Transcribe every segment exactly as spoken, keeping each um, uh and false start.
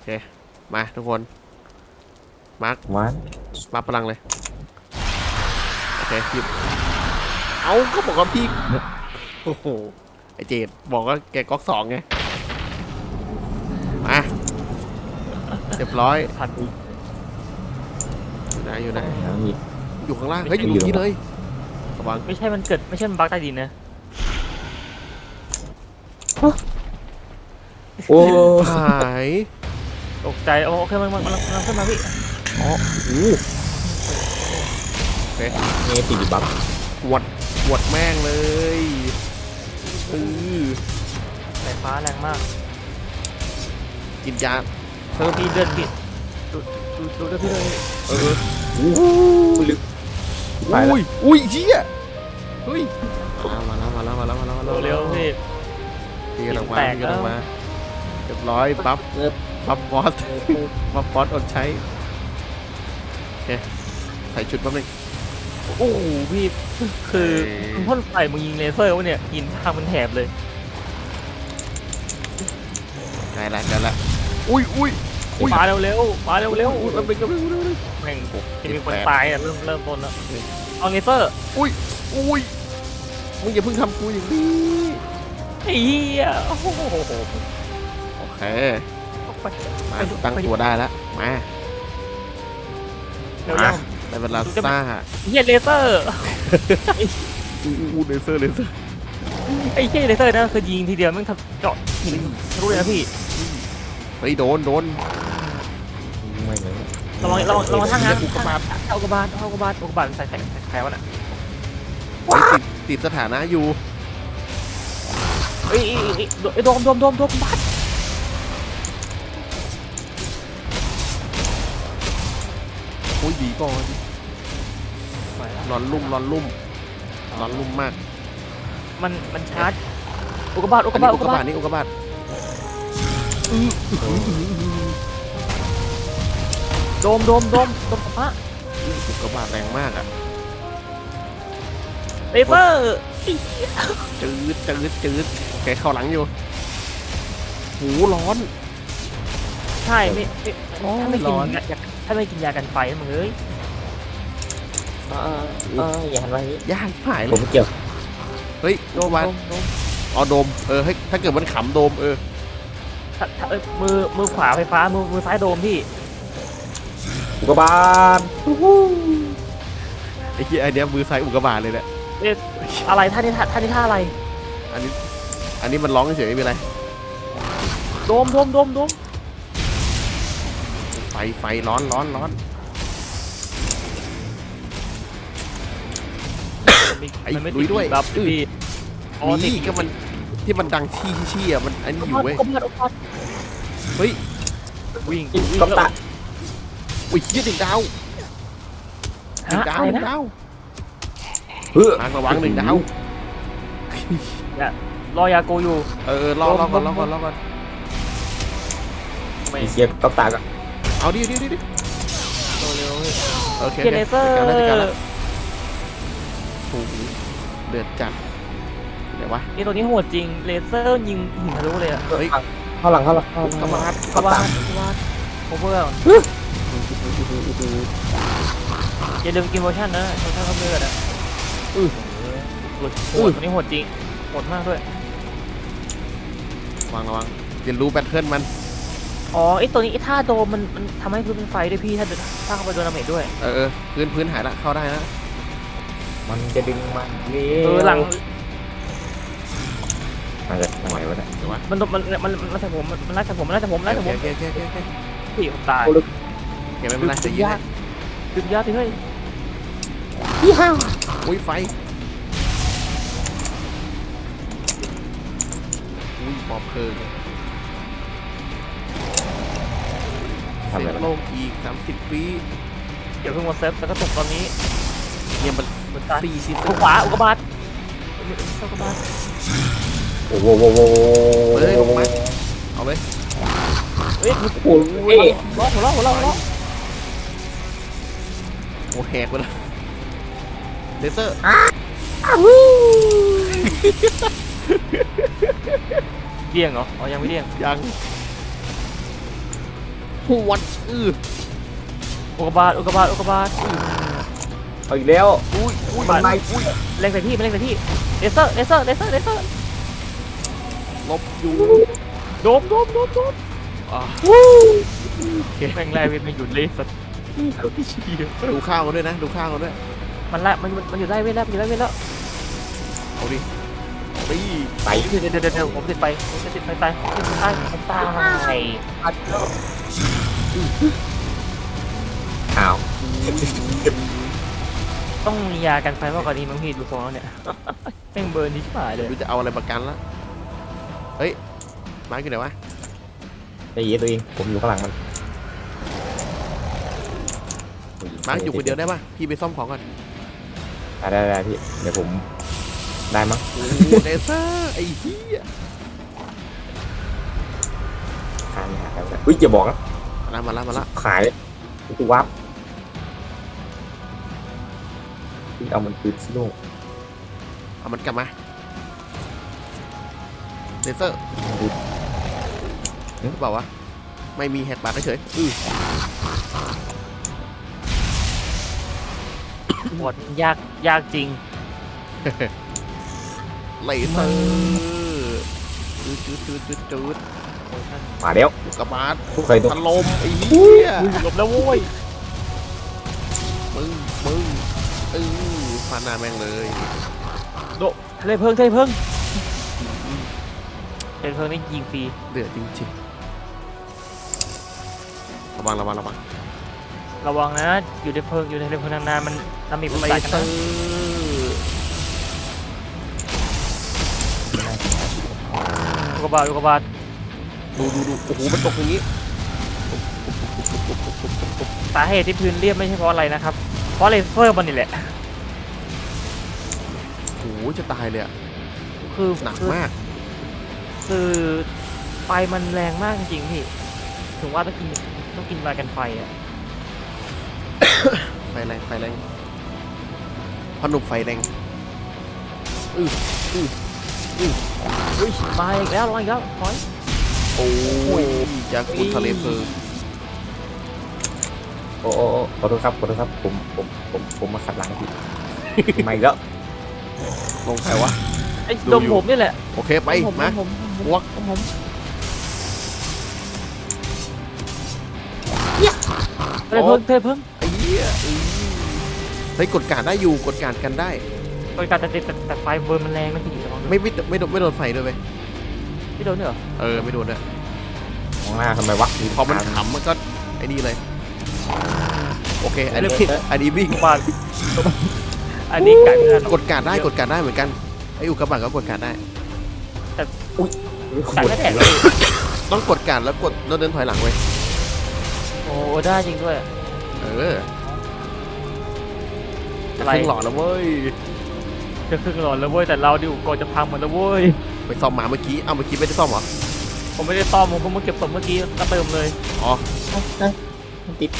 เคมาทุกคนมาร์ควันมาพลังเลยโอเคหยิบเอาก็บอกว่าพี่โอ้โหไอเจดบอกว่าแกก๊อกสองไงมาเรียบร้อยทันอยู่ไหนอยู่ไหนแล้วมีอยู่ข้างล่างเฮ้ยอยู่ตรงนี้เลยระวังไม่ใช่มันเกิดไม่ใช่มันบั๊กใต้ดินนะโอ้หายตกใจโอเคมันมันมันมันขึ้นมาพี่อ๋อโอ้โอเคเมติบัฟหวดหวดแม่งเลยเออสายฟ้าแรงมากกินยาเธอพี่เดินผิดดูดูดูดูพี่เลยเออลึกไปแล้วอุ้ยอุ้ยเชี่ยเฮ้ยมาแล้วมาแล้วมาแล้วมาแล้วมาแล้วเร็วพี่ตีกันออกมาแตกตีกันออกแล้วมาเรียบร้อยปั๊บปั๊บบอสปั๊บบอสอดใช้โอเคใส่ชุดแป๊บนึงโอ้โหพี่คือมึงพ่นไฟมึงยิงเลเซอร์วะเนี่ยยิงทางมันแถบเลยได้ละได้ละอุ้ยอุ้ยอุ้ยมาเร็วเร็วมาเร็วเร็วอุ้ยแป๊บนึงแป๊บนึงแป๊บนึงแม่งโอ้จะมีคนเจ็ดแปดตายอ่ะเริ่มเริ่มต้นแล้วเอาเลเซอร์อุ้ยอุ้ยมึงอย่าเพิ่งทำกูอย่างนี้ไอ้เหี้ยโอ้โหโอเคไปมาตั้งตัวได้แล้วมาเร็วมาๆได้เวลาซ่าเฮียเลเซอร์อู้อู้เลเซอร์เลเซอร์ไอ้เฮียเลเซอร์นะคือยิงทีเดียวมันทำเจาะหินทะลุเลยนะพี่เฮ้ยโดนโดนไม่เลยระวังระวังระวังทางงานอุกกาบาตเอาอุกกาบาตเอาอุกกาบาตอุกกาบาตมันใส่ใส่ใส่ใครวะน่ะเฮ้ยติดติดสถานะอยู่เอ้ยเอ้ยเอ้ยเอ้ยโดมโดมโดมโดมบัสโอ้ยดีก่อนไปแล้วร้อนลุ่มร้อนลุ่มร้อนลุ่มมากมันมันชาร์จอุกกาบาตอุกอักาน บานี้ตอุ กกาบาอุกกาบาตตนี่อุกกาบาตโดมโดมโดมโดมพระอุกกาบาตแรงมากอ่ะเลเซอร์จืดจืดจืดแกเข้าหลังอยู่หูร้อนใช่ไม่ไม่โอ้ยถ้าไม่กิร้อนนยาถ้าไม่กินยากันไฟนะมึงเอ้ยเออเอออย่าหันไปยากหายเลผมยไม่เกี่ยวเฮ้ยโดโดมมวันโดมโดมอ๋อโดมเออเฮ้ยถ้าเกิดมันขำโดมเออถ้าถ้าเอ้ยมือมือขวาไฟฟ้ามือมือซ้ายโดมพี่อุกกาบาตไอ้ที่ไอเนี้ยมือซ้ายอุกกาบาตเลยแหละเอ๊ะอะไรท่านี้ท่าท่านี้ท่าอะไรอันนี้อันนี้มันร้องเฉยๆไม่เป็นไรโดมโดมโดมโดมไฟไฟร้อนร้อนร้อน ไอ้มันไม่ลุยด้วยบัฟพี่อ๋อติดนี่ก็มันที่มันดังชี้ชี้อ่ะมันอันนี้อยู่เว้ยอุกกาบาตอุกกาบาตเฮ้ยวิ่งกับตะอุ้ยยี่หนึ่งดาวหนึ่งฮะดาวอะไรหนึ่งนะดาวเฮ้ยทางระวังหนึ่งดาวรอยาโกอยู่เออรอรอก่อนรอก่อนรอก่อนไม่มีเสียกับตะกันเอาดิดิดิดิเร็วๆพี่โอเคเกียร์เลเซอร์จัดการแล้วจัดการแล้วโอ้โหเดือดจัดเดี๋ยววะนี่ตัวนี้โหดจริงเลเซอร์ยิงหินทะลุเลยอะเฮ้ยเข้าหลังเข้าหลังเข้าหลังกระบาดกระบาดกระบาดโอเวอร์อย่าลืมกินโมชั่นนะโมชั่นเขาเลือดอะอือโหดตัวนี้โหดจริงโหดมากด้วยระวังระวังเรียนรู้แพทเทิร์นมันอ๋อไอตัวนี้ไอท่าโดมมันมันทำให้พื้นเป็นไฟด้วยพี่ถ้าถ้าเข้าไปโดนดาเมจด้วยเออเออพื้นพื้นหายละเข้าได้นะมันจะดึงมันเลี้เออหลังมันจะทำไมวะเนี่ยเดี๋ยววะมันมันมันมันไล่ใส่ผมมันไล่ใส่ผมมันไล่ใส่ผมมันไล่ใส่ผมโอเคโอเคโอเคโอเคพี่ผมตายโอเคไม่เป็นไรจะยืนให้ดึงยาพี่เฮ้ยยี่ห้าอุ้ยไฟอุ้ยปอบเพลิงทำเซอะไรฟโลกอีกสามสิบปีเดี๋ยวเพิ่งมาเซฟแล้วก็ตกตอนนี้เนี่ยมันเหมือนกันสี่ชิ้นอุกขวาอุกกาบาตอุกกาบาตโอ้โหโอ้โหเฮ้ยลงมาเอาเลยเฮ้ยโอ้โหล้อหัวล้อหัวล้อหัวล้อโอ้แหกไปแล้วเลเซอร์เดี่ยงเหรออ๋อยังไม่เดี่ยงยังหวดอืออุกกาบาตอุกกาบาตอุกกาบาตเอาอีกแล้วอุ้ยอุ้ยมันไม่อุ้ยเล็งใส่พี่เล็งใส่พี่เลเซอร์เลเซอร์เลเซอร์เลเซอร์ลบอยู่โดมโดมโดมโดมอ่ะแม่งแรกเว้ยมันหยุดเลยสัตว์เชี่ยดูข้าวกันด้วยนะดูข้าวกันด้วยมันละมันมันอยู่ได้เว้ยแล้วมันอยู่ได้เว้ยแล้วเอาดิตีไปเดี๋ยวเดี๋ยวเดี๋ยวเดี๋ยวผมติดไฟผมจะติดไฟตายติดไฟตายผมตายอ้าวต้องมียากันไฟมากกว่านี้มั้งพี่ดูทรงแล้วเนี่ยแม่งเบิร์นที่ชิบหายเลยดูจะเอาอะไรประกันละเฮ้ยมาร์คอยู่ไหนวะใจเย็นตัวเองผมอยู่ข้างหลังมันมาร์คอยู่คนเดียวได้ปะพี่ไปซ่อมของก่อนได้ได้ได้พี่เดี๋ยวผมได้มั้งโอ้เลเซอร์ไอ้เหี้ยหาไม่หาแล้วอุ้ยอย่าบอกนะมาละมาละมาละขายเลยกูวับเอามันคืนซิโน่เอามันกลับมาเลเซอร์หรือเปล่าวะไม่มีแหกปากเฉยๆอือหมดยากยากจริงเลเซอร์จืดจืดจืดจืดจืดมาแล้วลูกกระบาดทุกใครตัวถล่มไอ้เหี้ยอุ้ยหลบแล้วโว้ยมึงมึงเออฟาดหน้าแม่งเลยโดเทเลเพิ่งเทเลเพิ่งเทเลเพิ่งนี่ยิงฟรีเดือดจริงๆระวังระวังระวังระวังนะอยู่ในเพิ่งอยู่ในเทเลเพิ่งนานๆมันน้ำมีเลปัญหากันเซอนะร์อุกกาบาตอุกกาบาตดูดูดูโอ้โหมันตกอย่างนี้สาเหตุที่พื้นเรียบไม่ใช่เพราะอะไรนะครับเพราะเลเซอร์มันนี่แหละโอ้โหจะตายเลยอะคือหนักคือมากคือไฟมันแรงมากจริงๆพี่ถึงว่าต้องกินต้องกินมากันไฟอ่ะไฟแรงไฟแรงพอหนุ่มไฟแรงอืออืออืออุ้ยมาอีกแล้วมาอีกแล้วถอยโอ้ยยาคุลทะเลเพลิงโอ้โอ้โอ้ขอโทษครับขอโทษครับผมผมผมผมมาขัดหลังพี่มาอีกแล้วลงใครวะไอ้ดูดมอยู่ผมนี่แหละโอเคไปผมมาผมผมวักผมผม เทเลเพิ่งเทเลเพิ่งไอ้เหี้ยอือเฮ้ยกดการได้อยู่กดการกันได้บริการแต่แต่แต่ไฟเบิร์นมันแรงนะพี่ระวังด้วยไม่ไม่ไม่โดนไม่โดนไฟด้วยเว้ยพี่โดนด้วยเหรอเออไม่โดนด้วยมองหน้าทำไมวะพอมันขำมันก็ไอ้นี่เลยโอเคอันนี้อันนี้วิ่งบาทอันนี้ไก่ไม่ทันหรอกกดการได้กดการได้เหมือนกันไอ้อุกกาบาตก็กดการได้ไก่ไม่แตกเลยต้องกดการแล้วกดแล้วเดินถอยหลังไว้โอ้ได้จริงด้วยเออจะอะไรครึ่งหลอดแล้วเว้ยจะครึ่งหลอดแล้วเว้ยแต่เราดิวก่อนจะพังหมดแล้วเว้ยไปซ่อมมาเมื่อกี้เอ้าเมื่อกี้ไม่ได้ซ่อมเหรอผมไม่ได้ซ่อมผมเพิ่งมาเก็บศพเมื่อกี้ก็เติมเลยอ๋อมันติด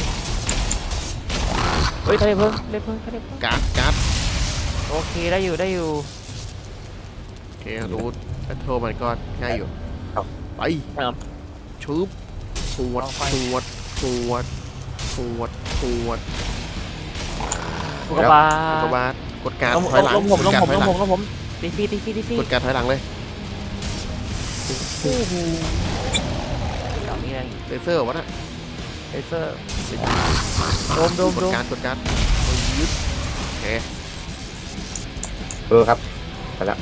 เฮ้ยทะเลเพิ่งทะเลเพิ่งทะเลเพิ่งการ์ดการ์ดโอเคได้อยู่ได้อยู่โอเครู้โทรมันก็ง่ายอยู่ไปครับชุบสวดเอาไปสวดสวดสวดสวดอุกกาบาอุกกาตบาตกดการลงถอยหลังลงผมกลดงการผมถอยลงหลัผงมลงผมตีฟีตีฟีตีฟีกดการถอยหลังเลยโอ้โหเดี๋ยวนี้ไงเลเซอร์วะน่ะเลเซอร์โดมโดมกโดดมการกดการยึดโอเคเออครับไปแล้ว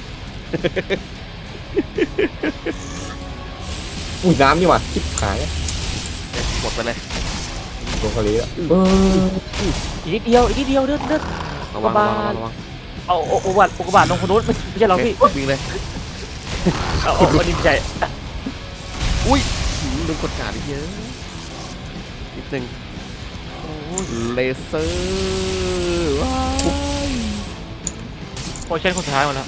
อุ้ยน้ำนี่หว่าชิบหายหมดไปเลยลงทะเลแล้วเอออีกนิดเดียวอีกนิดเดียวเดินเดินระวังอุกการะบาวัตงระวังเอาเอาอุกกาบาตอุกกาบาตลงคนนู้นไม่ไม่ใช่เราพี่โอควิ่งเลยเอาเอาเอาดินใจอุ้ยหืมลืมกดการอีกเยอะนิดนึงเลเซอร์ว้ายโอเช่นคนสุดท้ายหมดแล้ว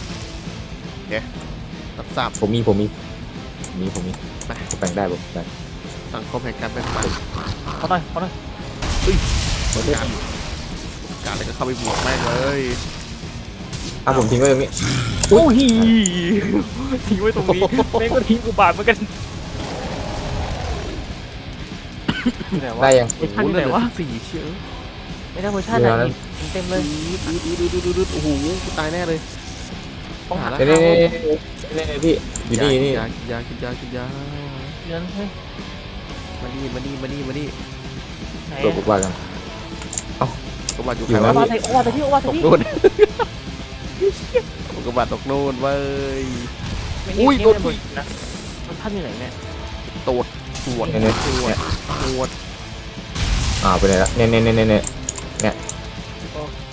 รับทราบผมมีผมมีผมมีผมมีไปผมแบ่งได้ผมได้สังคมแห่งการแบ่งปันเขาหน่อยเขาหน่อยกดการกดการแล้วก็เข้าไปบวกแม่งเลยอ่ะผมทิ้งไว้ตรงนี้โอ้ยทิ้งไว้ตรงนี้แม่งก็ทิ้งอุกกาบาตเหมือนกันอยู่ไหนวะได้ยังเวอร์ชันโอ้อโหยู่ไหนเหลือวะสี่เชื่อไม่ได้เวอร์ชันเดี๋อะยวนะนี่เต็มเลยดูดูดูดูดูโอ้โหกูตายแน่เลยต้องหาแล้วนี่นี่นี่นี่พี่อยู่นี่นี่ยากินยากินยากินยาเงินเฮ้ยมานี่มานี่มานี่มานี่ไหนตัวบุกว่ากันกบาดอยู่อยู่ใครนะโอวะวาใส่โอวาใส่พี่โอวาตใส่กพี่โน่นกบาดตกโน่นเว้ย อุ้อุ้ยยโดโดนนผู้นะมันท่านอยู่ไหนเนี่ยตดปวดเนี่ยเนี่ยปวดปวดอ่าไปไหนละเนี่ยเนี่ยเนี่ยเนี่ยเนี่ยโอเค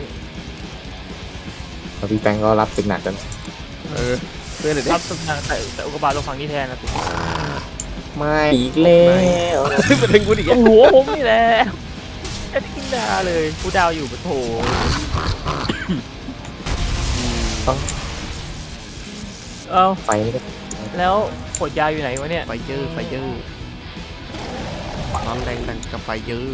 แล้วพี่แป้งก็รับเป็นหนักกันเออเพื่อนเด็กรับสำนักแต่แต่อุกกาบาตลงฝั่งนี้แทนนะสิไม่อีกแล้วเป็นถึงกูอีกโอ้โหผมนี่แหละแค่กินดาเลยกูดาวอยู่ปะโถเอ้าไฟไม่ได้แล้วขวดยาอยู่ไหนวะเนี่ยไฟเยอร์ไฟเยอร์ร้อนแรงดังกับไฟเยอร์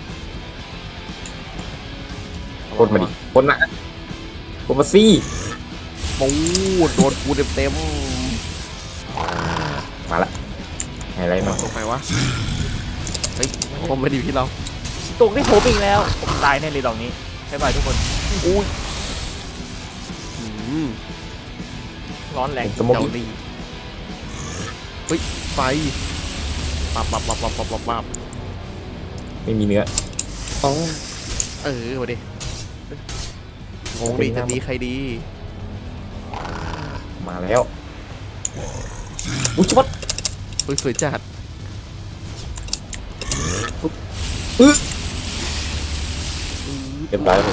คนมาดิคนมาคนมาซี่ปูดโดนกูเต็มเต็มมาละไฮไลท์มาตรงไหนวะเฮ้ยผมไม่ดีที่เราตกได้ผมอีกแล้วผมตายแน่เลยดอกนี้บ๊ายบายทุกคนอุ้ยอืมร้อนแรงสมมติเจ้าดีเฮ้ยไฟปับปับปับปับปับปับปับไม่มีเนื้ออ๋อเออมาดิงงดิจะดีใครดีมาแล้วอุ้ยชัดเฮ้ยสวยจัดอื้อเรียบร้อยแล้วผม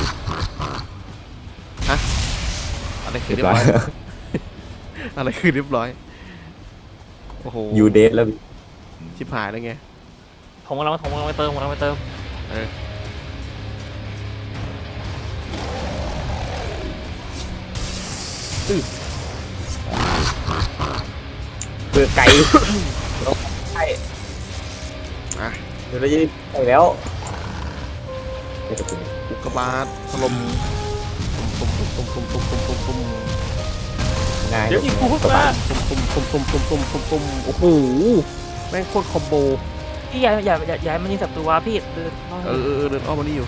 อะไรคือเรียเรียบบ ร้อร้อย ยอะไรคือเรียบร้อยโอ้โหยูเดทแล้วพี่ชิบหายแล้วไงผมกำลังผมกำลังไปเติมผมกำลังไปเติมเออเบื่อไก่ใช่อ่ะเดี๋ยวเราจะไปแล้วไม่ต้องอุกกาบาตถล่มตุ้มตุ้มตุ้มตุ้มตุ้มตุ้มตุ้มตุ้มง่ายเดี๋ยวอีกกูเพิ่งมาตุ้มตุ้มตุ้มตุ้มตุ้มตุ้มตุ้มโอ้โหแม่งโคตรคอมโบพี่อย่าอย่าอย่าอย่าให้มันยิงศัตรูวะพี่เดินเออเออเออเดินอ้อมมานี่อยู่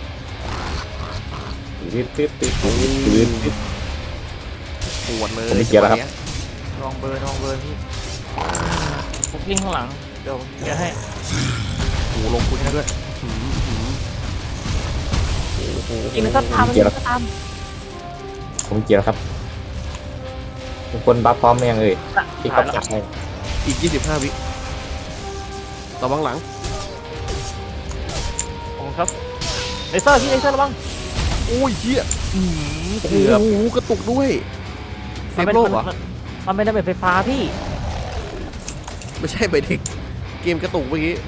ตืดตืดตืดตืดตืดตืดปวดเลยผมไม่เกี่ยวแล้วครับลองเบิร์นลองเบิร์นพี่ผมยิงข้างหลังเดี๋ยวเดี๋ยวให้โอ้โหลงคุณด้วยหืมหืมโอ้โหยิงมันก็ตามมันยิงมันก็ตามผมเกี่ยวแล้วครับทุกคนบัฟพร้อมหรือยังเอ่ยที่ถ่าเขายแล้วจัดให้อีกยี่สิบห้าวิระวังหลังผมครับเลเซอร์พี่เลเซอร์ระวังโอ้ยเหี้ยอืมโอ้เกือบโหกระตุกด้วยเซมันฟเป็นโลกเหรอมันมันเป็นระเบิดไฟฟ้าพี่ไม่ใช่ไปเด็กเกมกระตุกเมื่อกี้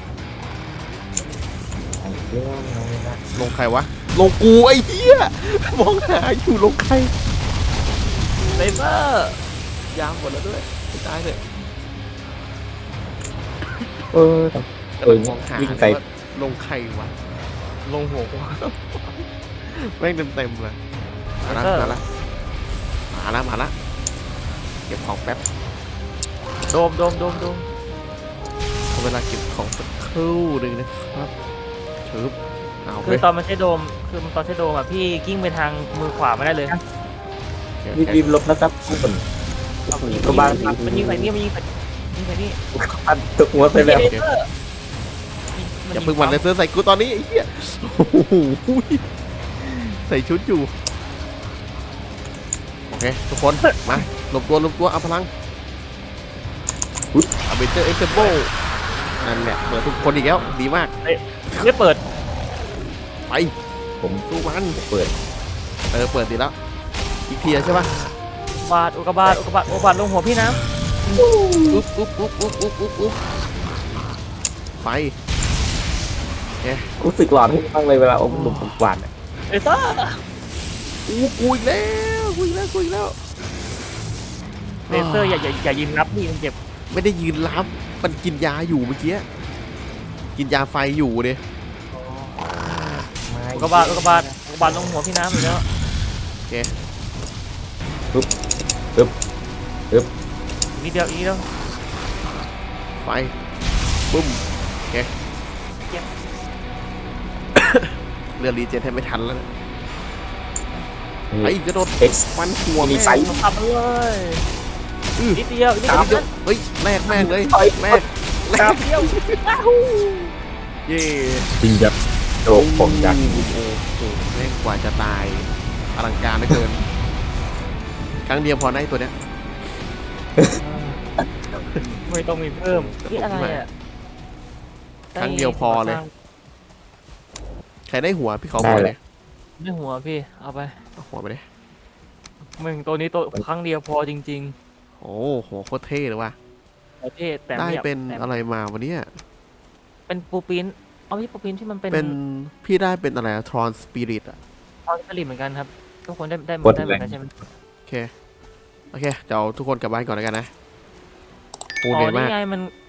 ลงใครวะลงกูไอ้เหี้ยมองหาอยู่ลงใครเลเซอร์ยางหมดแล้วด้วยไม่ตายเลยเออเออมองหาวิ่งใส่ว่าลงใครวะลงหัวกูแม่งเต็มเต็มๆเลยมาละเออมาละมาละมาละเก็บของแป๊บโดมโดมโดมโดมขอเวลาเก็บของสักครู่หนึ่งนะครับชึบเอาไปคือตอนมันใช้โดมคือมันตอนใช้โดมอ่ะพี่กิ้งไปทางมือขวาไม่ได้เลยรีบรีบลบนะครับทุกคนมันยิงก็บ้านมันยิงใส่นี่มันยิงใส่ยิงใส่นี่อันตกหัวไปแล้วเลเซอร์อย่าเพึ่งหวันเลยเสื้อใส่กูตอนนี้ไอ้เหี้ยโอ้โหใส่ชุดอยู่โอเคทุกคนมาหลบตัวหลบตัวเอาพลังเอาเบเจอร์เอ็กซ์เซมโบนั่นแหละเปิดทุกคนอีกแล้วดีมากไม่เปิดไปผมสู้มันเปิดเออเปิดดีแล้วอีกทีใช่ปะบาดอุกกาบาตอุกกาบาตอุกกาบาตลงหัวพี่นะอุ๊บอุ๊บอุ๊บอุ๊บอุ๊บอุ๊บอุ๊บไฟรู้สึกหลอนขึ้นบ้างเลยเวลาอมหนุ่มผมหวานอะเลเซอร์อู้กูอีกแล้วกูอีกแล้วกูอีกแล้วเลเซอร์อย่าอย่าอย่ายิงนับนี่มันเจ็บไม่ได้ยืนรับมันกินยาอยู่เมื่อกี้กินยาไฟอยู่เดยอุกกาบาตอุกกาบาตอุกกาบาตลงหัวพี่น้ำอยู่แล้วนิดเดียวอีกนิดเดียวไฟบึ้มเคเรือรีเจนให้ไม่ทันแล้วนะไอ้กระโดดเอ็กซ์มันหัวมีแม่ไฟงขับมาเลยนิดเดียวนิดสามเดียวเฮ้ยแลกแม่งเลยไปแลกแลครักบเดียวเย่จริงครับโอ้ผมอยากโอ้โหแม่งกว่าจะตายอลังการเหลือเกิน ครั้งเดียวพอได้ตัวเนี้ยไม่ต้องมีเพิ่มนี่อะไรอ่ะครั้งเดียวพอเลย ใครได้หัวพี่เขาหัวเลยได้หัวพี่เอาไปเอาหัวไปเลยมึงตัวนี้ตัวครั้งเดียวพอจริงโอ้โหโคตรเท่เลยว่ะๆประเทศแต่ได้ไม่อยากเป็นแต่อะไรมาวันนี้เป็นปูปินเอาพี่ปูปินที่มันเป็นเป็นพี่ได้เป็นอะไรทรอนสปิริตอะทอสลิมเหมือนกันครับทุกคนได้ได้กดได้เหเลมือย นกันใช่ไหมโอเค โอเค เดี๋ยวทุกคนกลับบ้านก่อนแล้วกันนะโหอ๋เหนื่อยอมานี่กไงมัน